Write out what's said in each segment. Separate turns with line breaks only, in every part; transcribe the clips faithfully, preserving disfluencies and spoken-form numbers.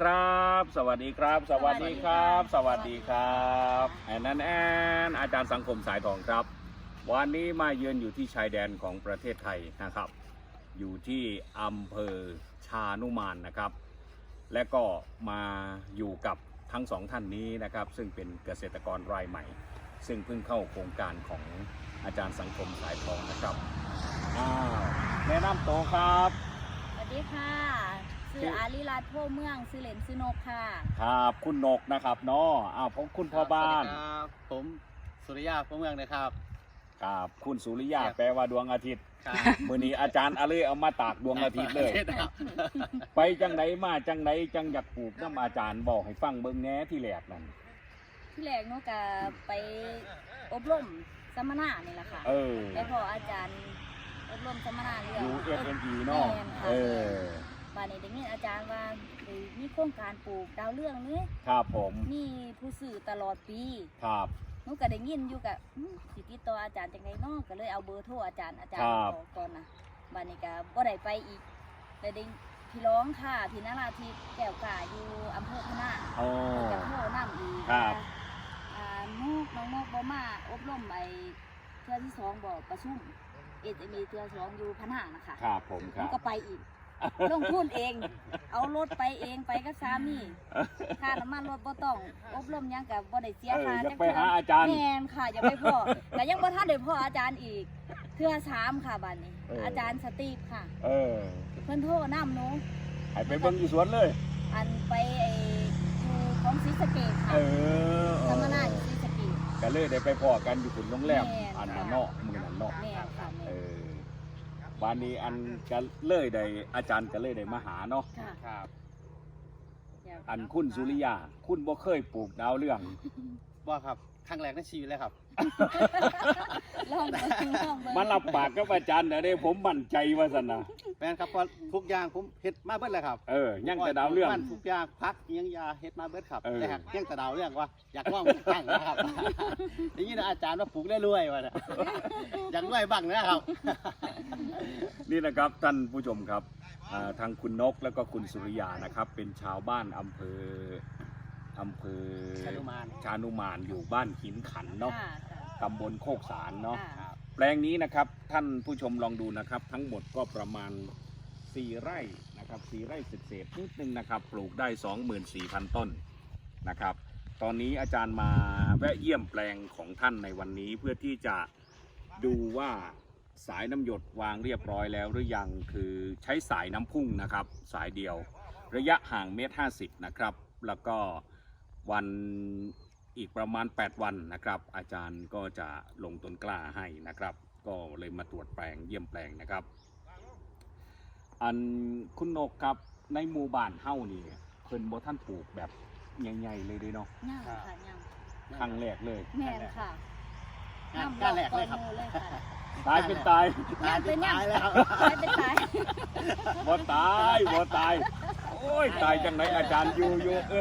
ครับ สวัสดีครับ สวัสดีครับ สวัสดีครับแอนนันแอนอาจารย์สังคมสายทองครับ วันนี้มาเยือนอยู่ที่ชายแดนของประเทศไทยนะครับ อยู่ที่อำเภอชานุมานนะครับ และก็มาอยู่กับทั้งสองท่านนี้นะครับ ซึ่งเป็นเกษตรกรรายใหม่ ซึ่งเพิ่งเข้าโครงการของอาจารย์สังคมสายทองนะครับอ้าวแนะนำตัวครับ
สวัสดีค่ะชื่ออารีรัตน์โพเมืองชื่อเล่นชื่อนกค่ะ
ครับคุณนกนะครับเนาะอ้าวผมคุณพ่อบ้าน
สวัสดีครับผมสุริยาพวเมืองนะครับ
ครับคุณสุริยา
ครับ
แปลว่าดวงอาทิตย์
ครับ
มื้อนี้อาจารย์อะไรเอามาตากดวงอาทิตย์เลย
ครับ
ไปจังไหนมาจังไหนจังอยากปลูกน้ำอาจารย์บอกให้ฟังเบิ่งแหน่ที่แรกนั่น
ที่แรกนกก็ไปอบรมสัมมนานี่แหละค่ะ
เออ
ไปพออาจารย์อบรมสัมมนาเรื่อง
อยู่ เอฟ เอ็น อี เนาะ
แม่นค่ะ
เออ
บ้านนี้ได้ยินอาจารย์ว่าได้มีโครงการปลูกดาวเรืองนี่
ครับผม
มีผู้ซื้อตลอดปี
ครับ
นกก็ได้ยินอยู่กับอืมสิติดต่ออาจารย์จังไดเนาะก็เลยเอาเบอร์โทรอาจารย์อาจารย์บอกก่อนนะบ้านนี้ก็บ่ได้ไปอีกแต่ได้พี่ร้องค่ะพี่นราธิปแก้วกาอยู่อำเภอพะนา
โอ้
จะโทรน้ำอีก
ครับ
อ่านกน้องนกบ่มาอบรมไอเทือที่สองบอกประชุมเอจะมีเทือสองอยู่พันห้านะคะ
ครับผมค
น
รั
ก
บ
ก็ไปอีก ลงทุนเอง เอารถไปเองไปกับสามีค่าน้ำมันรถบ่ต้องอบรมหยังกับบ่ได้เสีย
เออ
ค่า
อยาก
จัก
ไป
เทื่
หาอาจารย์
แม่นค่ะอย่าไปพ่อแต่ยังบ่ทันได้พ่ออาจารย์อีกเทือสามค่ะบัดนี้
เอออ
อาจารย์สตีฟค่ะ
เออ
เพิ่นโทรนำหนู
ให้ไปเบิ่งอยู่สวนเลย
อันไปไออยู่ของศรีสะเกษค่ะ
เออ
สัมมนาอยู่ศรีสะเกษ
ก็เลยได้ไปพอกันอยู่คุณโรงแรม
แม่น
อันนั้นเนาะมื้อนั้นเนาะ
แม่นค่ะ
เอ
แม่น
อวันนี้อันก็เลยได้อาจารย์ก็เลยได้มาหาเนาะ
ค่ะ
ครับ
อยาก
อันคุณสุริยา คุณบ่เคยปลูกดาวเรื่อง
ว่าครับครั้งแรกในชีวิตเลยครับ
ลองเบิ่งลองเบิ่ง
มารับปากกับอาจารย์เด้ผมมั่นใจว่าซั่นนะ
แม่นครับเพราะทุกอย่างผมเฮ็ดมาเบิดเลยครับ
เออยังแต่ดาวเรื่อง
มันทุกอย่างพักอิหยังยาเฮ็ดมาเบิดครับ
เออ
แต่หากยังแต่ดาวเรื่องว่าอยากว่างตั้งนะครับ อย่างนี้นะอาจารย์ว่าปลูกได้รวยว่ะนะอยากรวยบ้างนะครับ
นี่นะครับท่านผู้ชมครับอ่าทางคุณนกแล้วก็คุณสุริยานะครับ เป็นชาวบ้านอำเภออำเภอ
ชานุมาน
ชานุมานอยู่บ้านหินขันเนาะ
ค่ะ
ตำบลโคกสารเนาะ
ค่ะ
แปลงนี้นะครับท่านผู้ชมลองดูนะครับ ทั้งหมดก็ประมาณสี่ไร่นะครับสี่ไร่เศษๆนิดนึงนะครับ ปลูกได้ สองหมื่นสี่พัน ต้นนะครับ ตอนนี้อาจารย์มาแวะเยี่ยมแปลงของท่านในวันนี้เพื่อที่จะดูว่าสายน้ำหยดวางเรียบร้อยแล้วหรือยังคือใช้สายน้ำพุ่งนะครับ สายเดียว ระยะห่างเมตรห้าสิบนะครับ แล้วก็วันอีกประมาณแปดวันนะครับ อาจารย์ก็จะลงต้นกล้าให้นะครับ ก็เลยมาตรวจแปลงเยี่ยมแปลงนะครับ อันคุณนกครับในหมู่บ้านเฮ้านี่เพิ่นบ่ท่านปลูกแบบใหญ่ๆเลยเด้เนาะ
ย่างค่ะย่าง
ครั้งแรกเลย
แม่นค่ะ
งานการแรกเลยครับ
น้ำอกก่อนหมู่เลยค่ะ
ตายเป็นตาย
ตายเป็นตายแล้ว
ตายเป็นตาย
บ่ตายบ่ตาย โอ้ยตายจังไหนอาจารย์อยู่อยู่เอ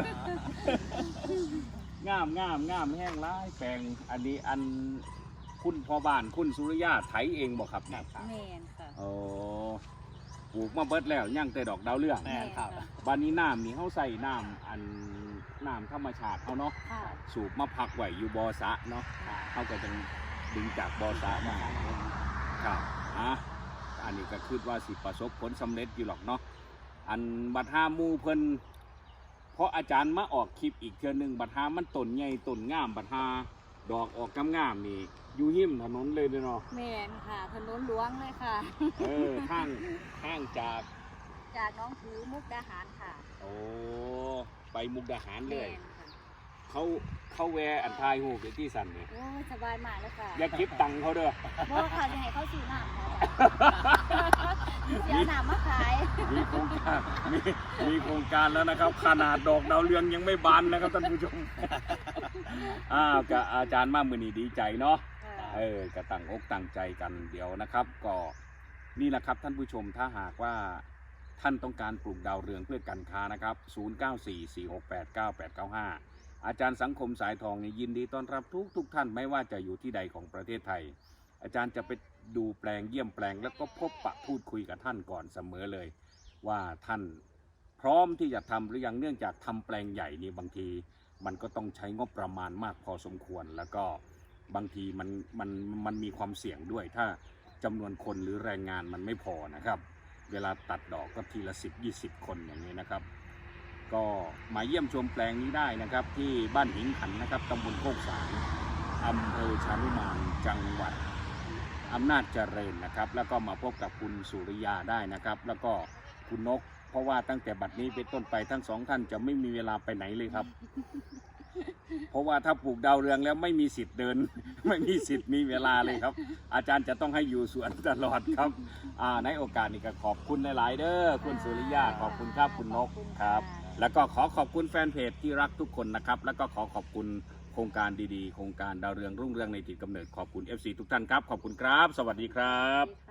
องามงามงามแห้งร้ายแปลงอันนี้อันคุณพ่อบ้านคุณสุริยาไถเองบ่ครับเนี่ย
แม่นค่ะ
โอ้ปลูกมาเบิดแล้วย่างแต่ดอกดาวเรือง
แม่นครับ
บ้านนี้น้ำนี่เขาใส่น้ำอันน้ำธรรมชาติเขาเนาะ
ค่ะ
สูบมาพักไว้อยู่บ่อสระเนาะเขาก็จะดึงจากบ่อสระมาครับอ่ะอันนี้ก็คิดว่าสิประสบผลสำเร็จอยู่หรอกเนาะอันบัดหาหมูเพิ่นเพราะอาจารย์มาออกคลิปอีกเทื่อหนึงบัดหามันต้นใหญ่ต้นงามบัดหาดอกออกงามๆนี่อยู่หิมถนนเลยเด้อเนาะ
แม่นค่ะถนนหลวงเลยค่ะ
เออข้างข้างจาก
จากน้องถือมุกดาหารค่ะ
โอ้ไปมุกดาหารเล
แม่
ย
นค่ะ
เขาเขาแวะอันทายหูไปที่สันเนี่ย
โอ้ยสบายมากเลยค่ะ
อย่าคิดตังค์เขาเด้อ
บ่ค่ะยังไงเขาซื้อน้ำค่ะเสียน้ำมาขาย
มีโครงการมีมีโครงการแล้วนะครับ ขนาดดอกดาวเรืองยังไม่บานนะครับท่านผู้ชม อ้าวกับอาจารย์มากมือนี้ดีใจเนาะเออกระตั้งอกตั้งใจกันเดี๋ยวนะครับ ก็นี่แหละครับท่านผู้ชมถ้าหากว่าท่านต้องการปลูกดาวเรืองเพื่อการค้านะครับศูนย์ เก้า สี่ สี่ หก แปด เก้า แปด เก้า ห้าอาจารย์สังคมสายทองนี่ยินดีต้อนรับทุกทุกท่านไม่ว่าจะอยู่ที่ใดของประเทศไทย อาจารย์จะไปดูแปลงเยี่ยมแปลงแล้วก็พบปะพูดคุยกับท่านก่อนเสมอเลย ว่าท่านพร้อมที่จะทำหรือยังเนื่องจากทำแปลงใหญ่นี่บางทีมันก็ต้องใช้งบประมาณมากพอสมควร แล้วก็บางทีมันมันมันมีความเสี่ยงด้วยถ้าจำนวนคนหรือแรงงานมันไม่พอนะครับเวลาตัดดอกก็ทีละสิบยี่สิบคนอย่างนี้นะครับก็มาเยี่ยมชมแปลงนี้ได้นะครับที่บ้านหิงขันนะครับตำบลโคกสางอำเภอชานุมานจังหวัดอำนาจเจริญนะครับแล้วก็มาพบกับคุณสุริยาได้นะครับแล้วก็คุณนกเพราะว่าตั้งแต่บัดนี้เป็นต้นไปทั้งสองท่านจะไม่มีเวลาไปไหนเลยครับ เพราะว่าถ้าปลูกดาวเรืองแล้วไม่มีสิทธิ์เดิน ไม่มีสิทธิ์มีเวลาเลยครับ อาจารย์จะต้องให้อยู่สวนตลอดครับอ่าในโอกาสนี้ก็ขอบคุณหลายๆเด้อคุณสุริยาขอบคุณครับคุณนกครับ แล้วก็ขอขอบคุณแฟนเพจที่รักทุกคนนะครับแล้วก็ขอขอบคุณโครงการดีๆโครงการดาวเรืองรุ่งเรืองในถิ่นกำเนิดขอบคุณ เอฟ ซี ทุกท่านครับขอบคุณครับ สวัสดีครับ
สวัสดีค่ะ